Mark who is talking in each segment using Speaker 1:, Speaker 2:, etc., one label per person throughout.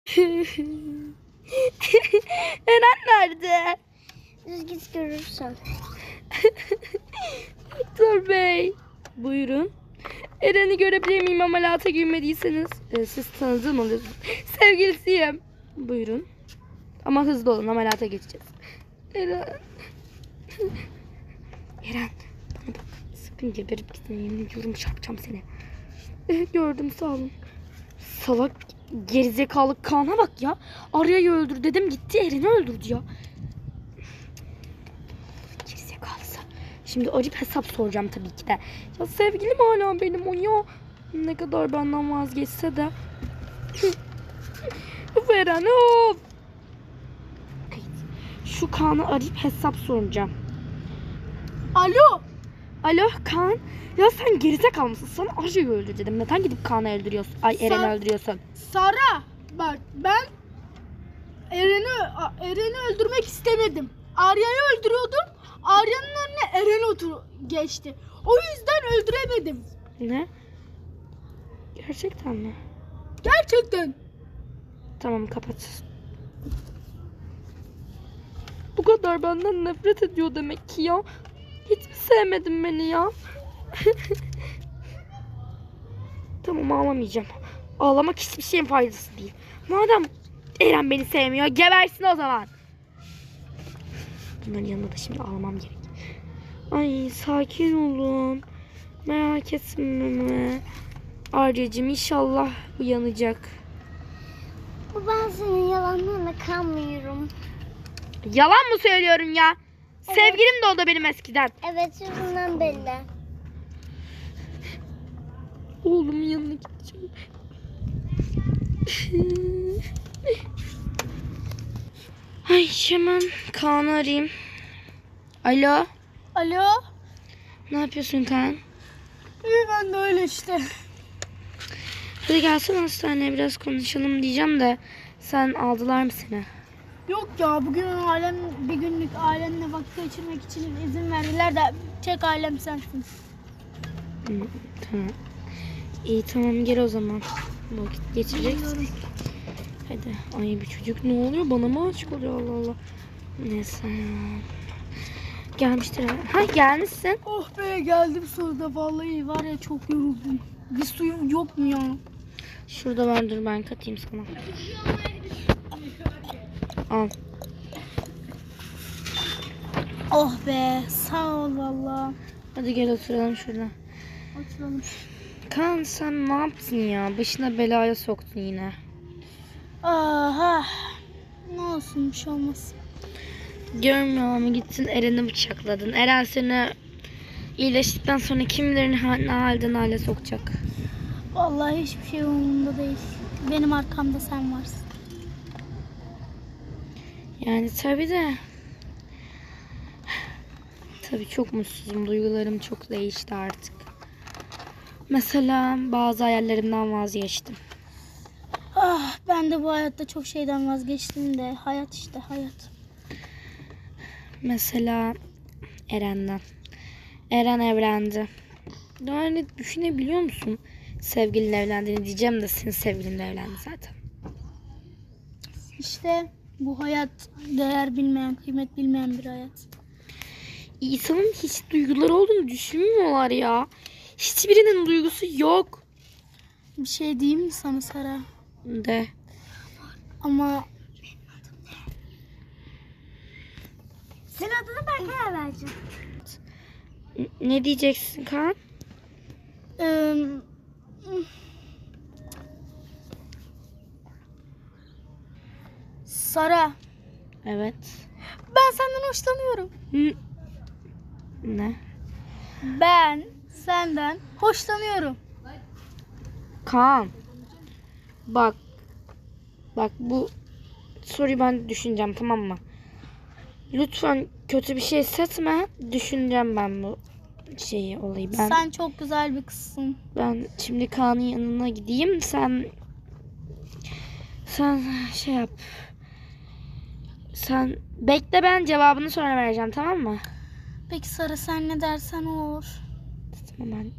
Speaker 1: Eren nerede?
Speaker 2: Düz git görürsün.
Speaker 1: Doktor bey. Buyurun. Eren'i görebilir miyim ameliyata girmediyseniz? Siz tanıdığım oluyorsunuz. Sevgilisiyim. Buyurun. Ama hızlı olun, ameliyata geçeceğiz. Eren. Eren. Bana bak. Sakın geberip gitme. Yemin ediyorum çarpacağım seni. Gördüm, sağ olun. Salak gerizekalı Kaan'a bak ya. Arya'yı öldür dedim, gitti Eren'i öldürdü ya. Gerizekalısı. Şimdi arayıp hesap soracağım tabii ki de. Ya sevgilim hala benim o ya. Ne kadar benden vazgeçse de. Of Eren of. Şu Kaan'ı arayıp hesap soracağım.
Speaker 2: Alo.
Speaker 1: Alo Kaan. Ya sen gerizekalı mısın? Sana Arya'yı öldür dedim. Neden gidip Kaan'ı öldürüyorsun? Ay Eren'i öldürüyorsun.
Speaker 2: Sara, bak ben Eren'i öldürmek istemedim. Arya'yı öldürüyordum. Arya'nın önüne Eren geçti. O yüzden öldüremedim.
Speaker 1: Ne? Gerçekten mi?
Speaker 2: Gerçekten.
Speaker 1: Tamam, kapat. Bu kadar benden nefret ediyor demek ki ya. Hiç mi sevmedin beni ya? Tamam, ağlamayacağım. Ağlamak hiçbir şeyin faydası değil. Madem Eren beni sevmiyor, gebersin o zaman. Bunların yanında da şimdi ağlamam gerek. Ay sakin olun. Merak etme. Arya'cığım inşallah uyanacak.
Speaker 2: Ben senin yalanlarına kanmıyorum.
Speaker 1: Yalan mı söylüyorum ya?
Speaker 2: Evet.
Speaker 1: Sevgilim de oldu benim eskiden.
Speaker 2: Evet, yüzünden belli.
Speaker 1: Oğlumun yanına gideceğim. Ay hemen Kaan'ı arayayım. Alo.
Speaker 2: Alo.
Speaker 1: Ne yapıyorsun Kaan?
Speaker 2: İyi, ben de öyle işte.
Speaker 1: Hadi gelsene hastaneye biraz konuşalım diyeceğim de sen aldılar mı seni?
Speaker 2: Yok ya, bugün bir günlük ailemle vakit geçirmek için izin verdiler de tek ailem sensin.
Speaker 1: Tamam. İyi tamam, gel o zaman. Vakit geçireceksin. Hadi. Ay bir çocuk ne oluyor? Bana mı aşık oluyor? Allah Allah. Neyse. Gelmiştir. Ha gelmişsin.
Speaker 2: Oh be, geldim sonunda. Vallahi var ya, çok yoruldum. Bir suyum yok mu ya?
Speaker 1: Şurada var, dur ben katayım sana. Al.
Speaker 2: Oh be, sağ ol valla.
Speaker 1: Hadi gel oturalım şurada.
Speaker 2: Oturalım.
Speaker 1: Kaan sen ne yaptın ya? Başına belaya soktun yine.
Speaker 2: Aha. Ne olsun, bir şey olmaz.
Speaker 1: Görmüyor ama gittin Eren'i bıçakladın. Eren seni iyileştikten sonra kim bilir ne halden hale sokacak.
Speaker 2: Vallahi hiçbir şey umurumda değil. Benim arkamda sen varsın.
Speaker 1: Yani tabii de. Tabii çok mutsuzum. Duygularım çok değişti artık. Mesela bazı hayallerimden vazgeçtim.
Speaker 2: Ah, ben de bu hayatta çok şeyden vazgeçtim de. Hayat işte, hayat.
Speaker 1: Mesela Eren'den. Eren evlendi. Yani düşünebiliyor musun? Sevgilinle evlendiğini diyeceğim de senin sevgilinle evlendi zaten.
Speaker 2: İşte bu hayat değer bilmeyen, kıymet bilmeyen bir hayat.
Speaker 1: İnsanın hiç duyguları olduğunu düşünmüyorlar ya. Hiçbirinin duygusu yok.
Speaker 2: Bir şey diyeyim mi sana Sara?
Speaker 1: De.
Speaker 2: Ama senin adını ben karar vereceğim.
Speaker 1: Ne diyeceksin Kaan?
Speaker 2: Sara,
Speaker 1: Evet.
Speaker 2: ben senden hoşlanıyorum.
Speaker 1: Ne?
Speaker 2: Ben senden hoşlanıyorum.
Speaker 1: Kaan. Bak. Bak bu soruyu ben düşüneceğim, tamam mı? Lütfen kötü bir şey hissetme. Düşüneceğim ben bu olayı.
Speaker 2: Sen çok güzel bir kızsın.
Speaker 1: Ben şimdi Kaan'ın yanına gideyim. Sen şey yap. Sen bekle, ben cevabını sonra vereceğim, tamam mı?
Speaker 2: Peki Sara, sen ne dersen o olur.
Speaker 1: Tamam ben.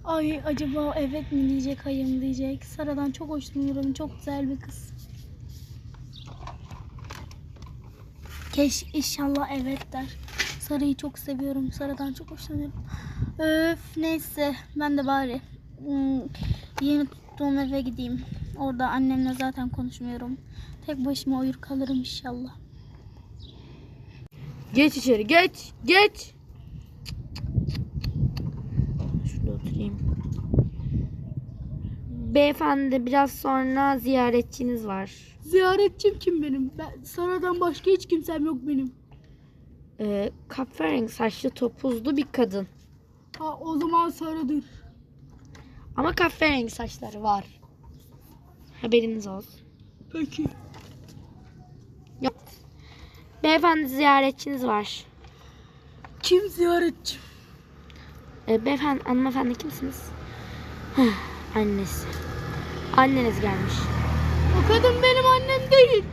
Speaker 2: Ay acaba evet mi diyecek, hayır mı diyecek. Sara'dan çok hoşlanıyorum. Çok güzel bir kız. İnşallah evet der. Sara'yı çok seviyorum. Sara'dan çok hoşlanıyorum. Öf neyse ben de bari yeni tuttuğum eve gideyim. Orada annemle zaten konuşmuyorum. Tek başıma uyur kalırım inşallah.
Speaker 1: Geç içeri, geç. Şurada oturayım. Beyefendi, biraz sonra ziyaretçiniz var.
Speaker 2: Ziyaretçim kim benim? Sara'dan başka hiç kimsem yok benim.
Speaker 1: Kahverengi saçlı topuzlu bir kadın.
Speaker 2: Ha o zaman Sara'dır.
Speaker 1: Ama kahverengi saçları var. Haberiniz olsun.
Speaker 2: Peki.
Speaker 1: Yok. Beyefendi, ziyaretçiniz var.
Speaker 2: Kim ziyaretçim?
Speaker 1: Beyefendi, hanımefendi kimsiniz? Annesi. Anneniz gelmiş.
Speaker 2: O kadın benim annem değil.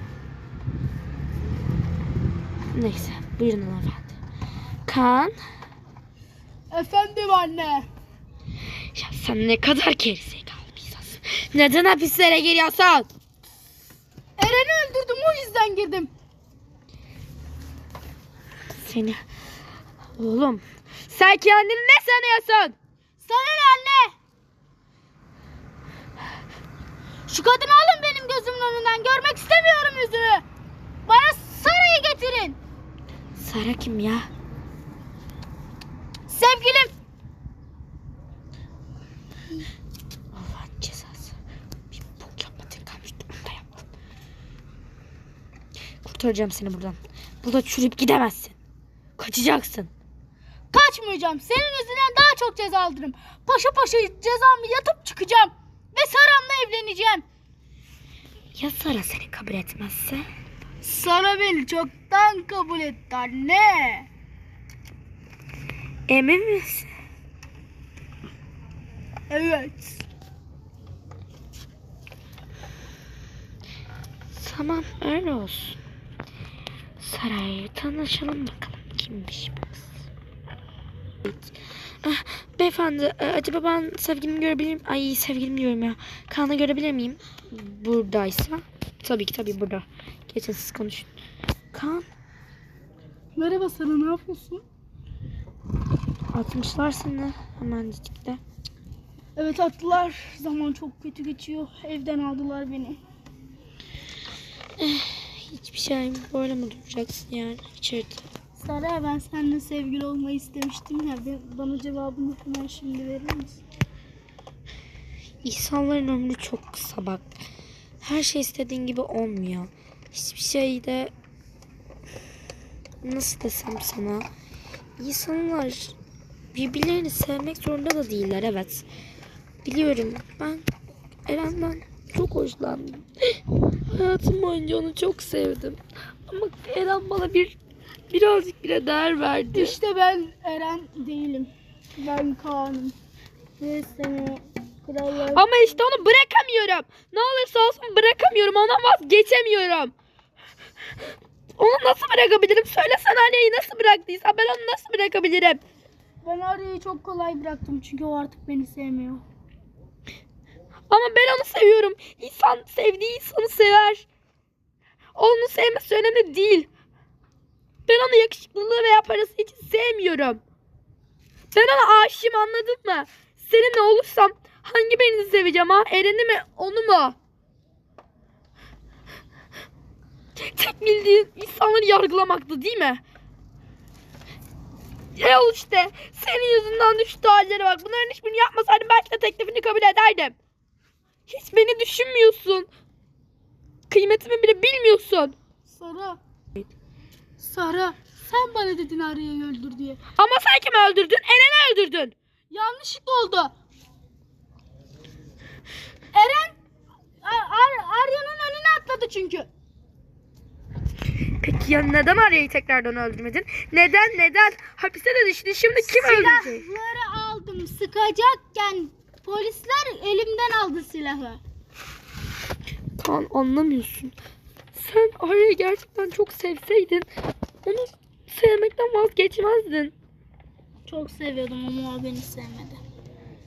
Speaker 1: Neyse, buyurun hanımefendi. Kaan.
Speaker 2: Efendim anne.
Speaker 1: Ya sen ne kadar gerizekalı bir insansın. Neden hapislere giriyorsun?
Speaker 2: Eren'i öldürdüm o yüzden girdim.
Speaker 1: Seni... Oğlum, sen kendini ne sanıyorsun?
Speaker 2: Sana ne anne? Şu kadını alın benim gözümün önünden. Görmek istemiyorum yüzünü. Bana Sara'yı getirin.
Speaker 1: Sara kim ya?
Speaker 2: Sevgilim.
Speaker 1: Allah'ın cezası. Bir bok yapmadın kalmıştı. Onu da yaptın. Kurtaracağım seni buradan. Burada çürüyüp gidemezsin. Kaçacaksın.
Speaker 2: Kaçmayacağım. Senin yüzünden daha çok ceza alırım. Paşa paşa cezamı yatıp çıkacağım. Ve Sara'mla evleneceğim.
Speaker 1: Ya Sara seni kabul etmezse?
Speaker 2: Sara beni çoktan kabul etti anne.
Speaker 1: Emin misin?
Speaker 2: Evet.
Speaker 1: Tamam, öyle olsun. Saray'la tanışalım bakalım kimmiş bu kız. Beyefendi, acaba ben sevgilimi görebilir miyim? Ay, sevgilim diyorum ya. Kaan'ı görebilir miyim? Buradaysa. Tabii burada. Geçin siz konuşun. Kaan,
Speaker 2: Merhaba Sara, ne yapıyorsun?
Speaker 1: atmışlar seni hemencikte.
Speaker 2: Evet attılar. Zaman çok kötü geçiyor. Evden aldılar beni.
Speaker 1: Hiçbir şey böyle mi duracaksın yani içeride?
Speaker 2: Sara ben seninle sevgili olmayı istemiştim ya. Bana cevabını hemen şimdi verir misin?
Speaker 1: İnsanların ömrü çok kısa bak. Her şey istediğin gibi olmuyor. Hiçbir şey de nasıl desem sana, İnsanlar birbirlerini sevmek zorunda da değiller, evet. Biliyorum, ben Eren'den çok hoşlandım. Hayatım boyunca onu çok sevdim. Ama Eren bana birazcık bile değer verdi.
Speaker 2: İşte ben Eren değilim. Ben Kaan'ım. Ve seni krallar...
Speaker 1: Ama işte onu bırakamıyorum. Ne olursa olsun bırakamıyorum. Ondan vazgeçemiyorum. Onu nasıl bırakabilirim? Söylesene, anneyi nasıl bıraktıysan ben onu nasıl bırakabilirim?
Speaker 2: Ben Arya'yı çok kolay bıraktım çünkü o artık beni sevmiyor.
Speaker 1: Ama ben onu seviyorum. İnsan sevdiği insanı sever. Onu sevmesi önemli değil. Ben onu yakışıklılığı veya parası için sevmiyorum. Ben ona aşığım, anladın mı? Seninle olursam hangi birini seveceğim ha? Eren'i mi, onu mu? Tek bildiğin insanları yargılamaktı değil mi? Ol işte. Senin yüzünden düştü hallere bak. Bunların hiçbirini yapmasaydım belki de teklifini kabul ederdim. Hiç beni düşünmüyorsun. Kıymetimi bile bilmiyorsun.
Speaker 2: Sara sen bana dedin Arya'yı öldür diye.
Speaker 1: Ama sen kimi öldürdün? Eren'i öldürdün.
Speaker 2: Yanlışlıkla oldu. Eren Arya'nın önüne atladı çünkü.
Speaker 1: Peki ya neden Arya'yı tekrardan öldürmedin? Neden? Hapiste de düştü. Şimdi kim öldürecek?
Speaker 2: Silahları aldım. Sıkacakken polisler elimden aldı silahı.
Speaker 1: Kaan, anlamıyorsun. Sen Arya'yı gerçekten çok sevseydin onu sevmekten vazgeçmezdin.
Speaker 2: Çok seviyordum ama o beni sevmedi.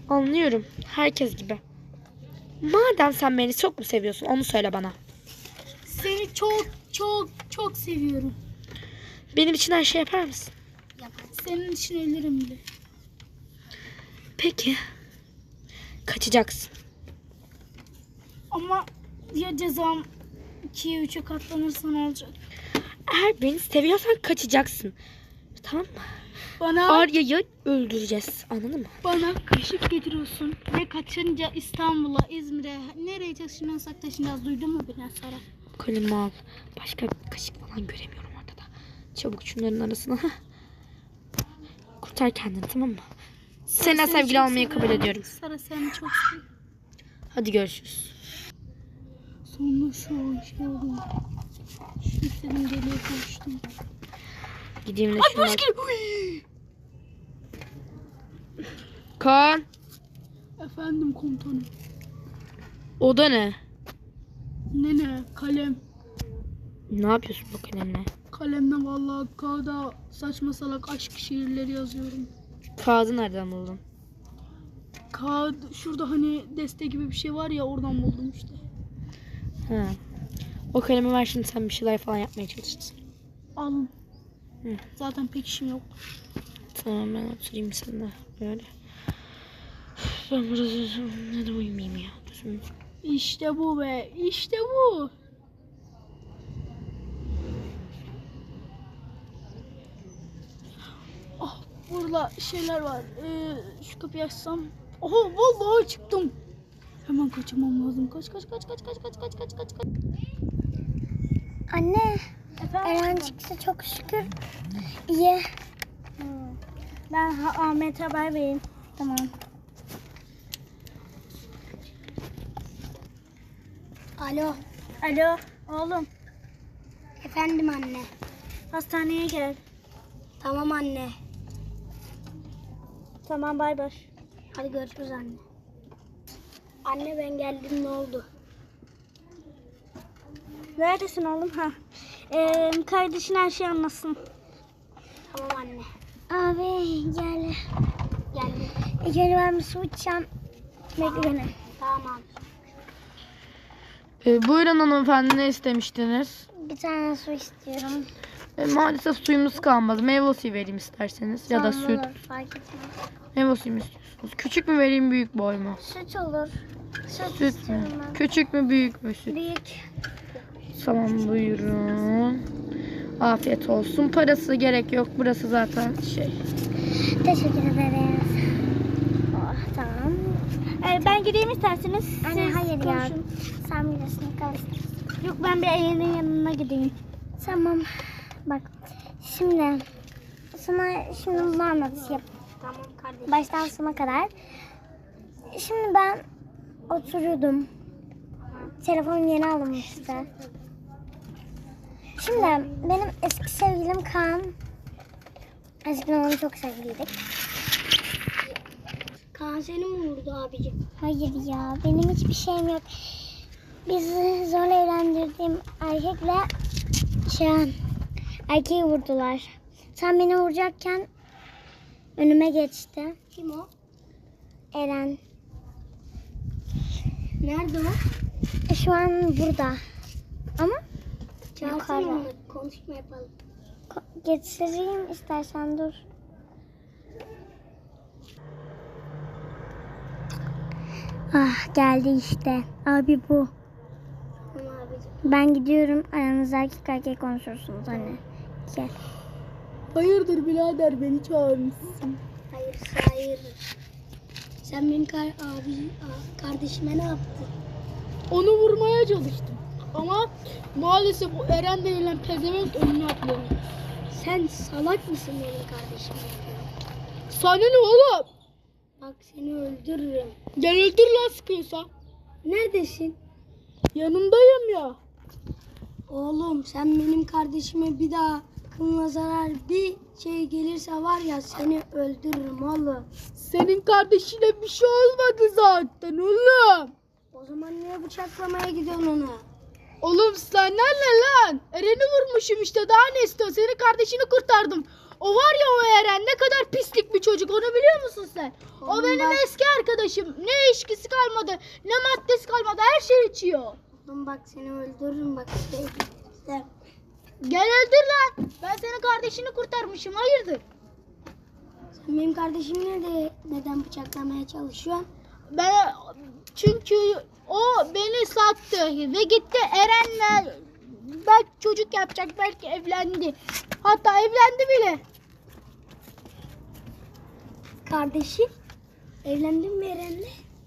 Speaker 1: Anlıyorum. Herkes gibi. Madem sen beni çok mu seviyorsun onu söyle bana.
Speaker 2: Seni çok çok çok seviyorum.
Speaker 1: Benim için her şey yapar mısın?
Speaker 2: Senin için ölürüm bile.
Speaker 1: Peki. Kaçacaksın.
Speaker 2: Ama ya cezam 2'ye 3'e katlanırsa ne olacak?
Speaker 1: Eğer beni seviyorsan kaçacaksın. Tamam mı?
Speaker 2: Bana
Speaker 1: Arya'yı öldüreceğiz. Anladın mı?
Speaker 2: bana kaşık getiriyorsun ve kaçınca İstanbul'a, İzmir'e, nereye taşınırsak taşınacağız. Duydun mu beni Sara?
Speaker 1: Kalemi al. Başka bir kaşık falan göremiyorum ortada. Çabuk şunların arasına. Hah. Kurtar kendini, tamam mı? Seninle
Speaker 2: Seni
Speaker 1: sevgili
Speaker 2: çok
Speaker 1: olmayı kabul
Speaker 2: seviyorum.
Speaker 1: ediyorum.
Speaker 2: Sara seni çok seviyorum.
Speaker 1: Hadi görüşürüz.
Speaker 2: Sonra şu şey oldu. Şu istediğim deliğe kavuştum.
Speaker 1: Gideyim de
Speaker 2: Ay
Speaker 1: şuna.
Speaker 2: polis geliyor.
Speaker 1: Kaan.
Speaker 2: Efendim komutanım.
Speaker 1: O da ne?
Speaker 2: Ne kalem.
Speaker 1: Ne yapıyorsun bu kalemle?
Speaker 2: Kalemle vallahi kağıda saçma salak aşk şiirleri yazıyorum.
Speaker 1: Kağıdı nereden buldun?
Speaker 2: Kağıt şurada hani deste gibi bir şey var ya oradan buldum işte.
Speaker 1: Ha. O kalemi ver, şimdi sen bir şeyler falan yapmaya çalışırsın.
Speaker 2: Al.
Speaker 1: Hı.
Speaker 2: Zaten pek işim yok.
Speaker 1: Tamam, ben oturayım sen de böyle. Ben biraz ne de uyumayayım ya. Düzgün.
Speaker 2: İşte bu be. İşte bu. Ah burada şeyler var. Şu kapıyı açsam. Oha vallahi çıktım. Hemen kaçırmam lazım. Kaç.
Speaker 3: Anne, Eren
Speaker 2: Efendim?
Speaker 3: çıktı çok şükür. İyi.
Speaker 2: Ben Ahmet'e haber vereyim.
Speaker 3: Tamam. Alo.
Speaker 2: Alo oğlum.
Speaker 3: Efendim anne.
Speaker 2: Hastaneye gel.
Speaker 3: Tamam anne.
Speaker 2: Tamam bay bay.
Speaker 3: Hadi görüşürüz anne. Anne ben geldim, ne oldu?
Speaker 2: Neredesin oğlum? Ha. Kardeşin her şeyi anlasın.
Speaker 3: Tamam anne. Abi gel. Geldim. Gel ben bir su içeceğim. Bekle beni. Tamam abi.
Speaker 1: Buyurun hanımefendi, ne istemiştiniz?
Speaker 3: Bir tane su istiyorum.
Speaker 1: Maalesef suyumuz kalmadı. Meyve suyu vereyim isterseniz. Ya da
Speaker 3: Tamam,
Speaker 1: süt.
Speaker 3: olur, fark etmez.
Speaker 1: Meyve suyu mu istiyorsunuz? Küçük mü vereyim, büyük boy mu?
Speaker 3: Süt olur. Süt
Speaker 1: Süt mü?
Speaker 3: istiyorum ben.
Speaker 1: Küçük mü, büyük mü süt?
Speaker 3: Büyük.
Speaker 1: Tamam, buyurun. Afiyet olsun. Parası gerek yok. Burası zaten şey.
Speaker 3: Teşekkür ederiz. Oh, tamam.
Speaker 2: Ben gideyim isterseniz.
Speaker 3: Anne
Speaker 2: Siz
Speaker 3: hayır ya.
Speaker 2: konuşun.
Speaker 3: Sen bilirsin, kalırsın.
Speaker 2: Yok ben bir Eren'in yanına gideyim.
Speaker 3: Tamam. Bak. Şimdi sana bunu anlatayım.
Speaker 2: Tamam kardeşim.
Speaker 3: Baştan sona kadar. Şimdi ben oturuyordum. Telefonum yeni alınmıştı. Şimdi benim eski sevgilim Kaan. Eskiden onu çok sevgiliydik.
Speaker 2: Kaan seni mi vurdu abicim?
Speaker 3: Hayır ya, benim hiçbir şeyim yok. Bizi zorla evlendirdiğim erkekle erkeği vurdular. Sen beni vuracakken önüme geçti.
Speaker 2: Kim o?
Speaker 3: Eren.
Speaker 2: Nerede o?
Speaker 3: Şu an burada. Ama
Speaker 2: Çağırsana
Speaker 3: yukarıda.
Speaker 2: onu. Konuşma yapalım.
Speaker 3: Getireyim istersen, dur. Ah, geldi işte. Abi bu.
Speaker 2: Tamam abicim.
Speaker 3: Ben gidiyorum. Aranızda erkek konuşursunuz anne. Gel.
Speaker 2: Hayırdır birader beni çağırmışsın.
Speaker 3: Hayır.
Speaker 2: Sen benim kardeşime ne yaptın? Onu vurmaya çalıştım. Ama maalesef bu Eren denilen pezevenk önüne atladı.
Speaker 3: Sen salak mısın benim kardeşim?
Speaker 2: Sana ne oğlum?
Speaker 3: Bak seni öldürürüm.
Speaker 2: Gel öldür lan sıkıyorsa.
Speaker 3: Neredesin?
Speaker 2: Yanındayım ya.
Speaker 3: Oğlum sen benim kardeşime bir daha kılına zarar bir şey gelirse var ya seni öldürürüm oğlum.
Speaker 2: Senin kardeşine bir şey olmadı zaten oğlum.
Speaker 3: O zaman niye bıçaklamaya gidiyorsun onu?
Speaker 2: Oğlum sen ne lan? Eren'i vurmuşum işte, daha ne istiyorsun? Senin kardeşini kurtardım. O var ya o Eren ne kadar pislik bir çocuk onu biliyor musun sen? O
Speaker 3: Oğlum
Speaker 2: benim
Speaker 3: bak-
Speaker 2: eski arkadaşım. Ne içkisi kalmadı ne maddesi kalmadı her şey içiyor.
Speaker 3: Oğlum bak seni öldürürüm bak. Sevgilisem.
Speaker 2: Gel öldür lan. Ben senin kardeşini kurtarmışım hayırdır?
Speaker 3: Sen benim kardeşimi neden bıçaklamaya çalışıyorsun?
Speaker 2: Ben çünkü o beni sattı ve gitti Eren'le belki çocuk yapacak belki evlendi. Hatta evlendi bile.
Speaker 3: Kardeşim? Evlendin mi Eren'le?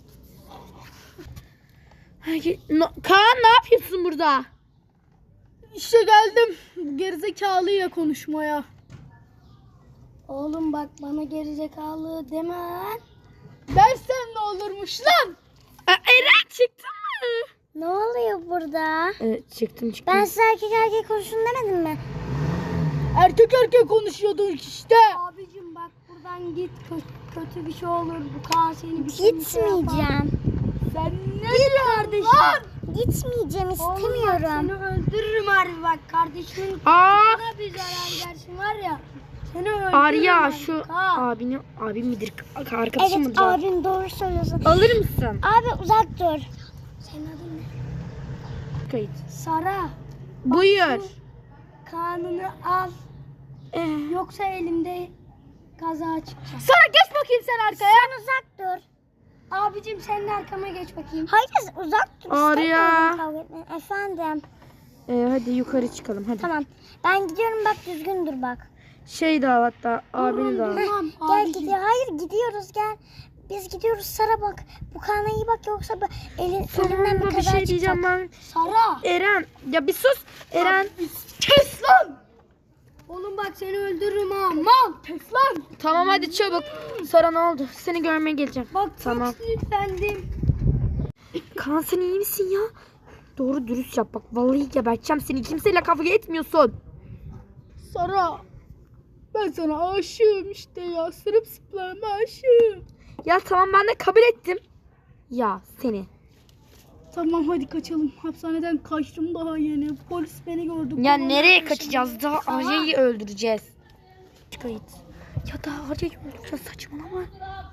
Speaker 1: Kaan ne yapıyorsun burada?
Speaker 2: İşte geldim gerizekalıyla konuşmaya.
Speaker 3: Oğlum bak bana gerizekalı deme lan.
Speaker 2: Dersen ne olurmuş lan?
Speaker 1: Eren çıktın mı?
Speaker 4: Ne oluyor burada?
Speaker 1: Çıktım.
Speaker 4: Ben size erkek erkek konuşun demedim mi?
Speaker 2: Erkek erkek konuşuyorduk işte.
Speaker 3: Abicim bak buradan git kötü bir şey olur. Bu Kaan seni bir şey yapar.
Speaker 4: Gitmeyeceğim.
Speaker 2: Sen ne diyorsun
Speaker 3: kardeşim.
Speaker 2: lan?
Speaker 4: Gitmeyeceğim
Speaker 3: Oğlum bak
Speaker 4: istemiyorum.
Speaker 3: seni öldürürüm harbi bak. Kardeşinin
Speaker 1: Aa!
Speaker 3: sana bir zarar versin var ya. Seni öldürürüm.
Speaker 1: Arya
Speaker 3: ben.
Speaker 1: şu
Speaker 3: Kaan.
Speaker 1: abim midir? Arkadaşım
Speaker 4: Evet
Speaker 1: mıdır?
Speaker 4: abim doğru söylüyorsun.
Speaker 1: Alır mısın?
Speaker 4: Abi uzak dur.
Speaker 3: Senin adın ne?
Speaker 1: Kayıt.
Speaker 3: Sara.
Speaker 1: Buyur.
Speaker 3: Kaan'ını al. Yoksa elimde kaza çıkacak.
Speaker 2: Sana geç bakayım sen arkaya.
Speaker 4: Sen uzak dur.
Speaker 3: Abicim sen de arkama geç bakayım.
Speaker 4: Hayır uzak dur.
Speaker 1: Arya.
Speaker 4: İstemiyorum kavga etmeyi. Efendim.
Speaker 1: Hadi yukarı çıkalım hadi.
Speaker 4: Tamam. Ben gidiyorum bak düzgün dur bak.
Speaker 1: Şey de al hatta abini de al.
Speaker 3: Tamam
Speaker 4: Gel
Speaker 3: abicim.
Speaker 4: gidiyor. Hayır gidiyoruz gel. Biz gidiyoruz Sara bak. Bu kana iyi bak yoksa elinden
Speaker 1: Sonunda
Speaker 4: bir
Speaker 1: bir
Speaker 4: kaza
Speaker 1: şey
Speaker 4: çıkacak.
Speaker 1: diyeceğim ben.
Speaker 3: Sara.
Speaker 1: Eren ya bir sus. Eren.
Speaker 2: Kes lan.
Speaker 3: Oğlum bak seni öldürürüm ha. Mal.
Speaker 2: Kes lan.
Speaker 1: Tamam hadi çabuk. Sara ne oldu? Seni görmeye geleceğim.
Speaker 3: Bak
Speaker 1: Tamam.
Speaker 3: çok sinirlendim.
Speaker 1: Kaan sen iyi misin ya? Doğru dürüst yap bak. Vallahi geberteceğim seni. Kimseyle kavga etmiyorsun.
Speaker 2: Sara. Ben sana aşığım işte ya. Sırılsıklam aşığım.
Speaker 1: Ya tamam ben de kabul ettim. Ya seni.
Speaker 2: Tamam hadi kaçalım. Hapishaneden kaçtım daha yeni. Polis beni gördü.
Speaker 1: Ya
Speaker 2: Kovalıyor
Speaker 1: nereye
Speaker 2: peşimden.
Speaker 1: kaçacağız? Daha Arya'yı öldüreceğiz. Kayıt. Ya daha Arya'yı öldüreceğiz saçmalama.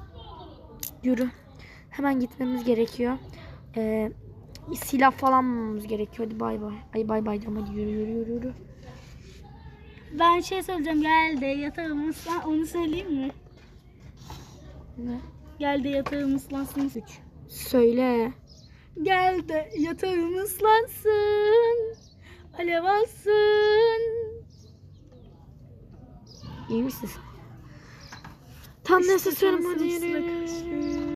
Speaker 1: Yürü. Hemen gitmemiz gerekiyor. Silah falan bulmamız gerekiyor. Hadi bay bay. Ay bay bay diyorum. Hadi yürü.
Speaker 2: Ben şey söyleyeceğim. Gel de yatağım ıslan. Onu söyleyeyim mi?
Speaker 1: Ne?
Speaker 2: Gel de yatağım ıslansın.
Speaker 1: Söyle.
Speaker 2: Gel de yatağım ıslansın. Alev alsın.
Speaker 1: İyi misin? Tam
Speaker 2: İşte
Speaker 1: neyse söyleme
Speaker 2: sana
Speaker 1: hadi yürü.
Speaker 2: sırılsıklam.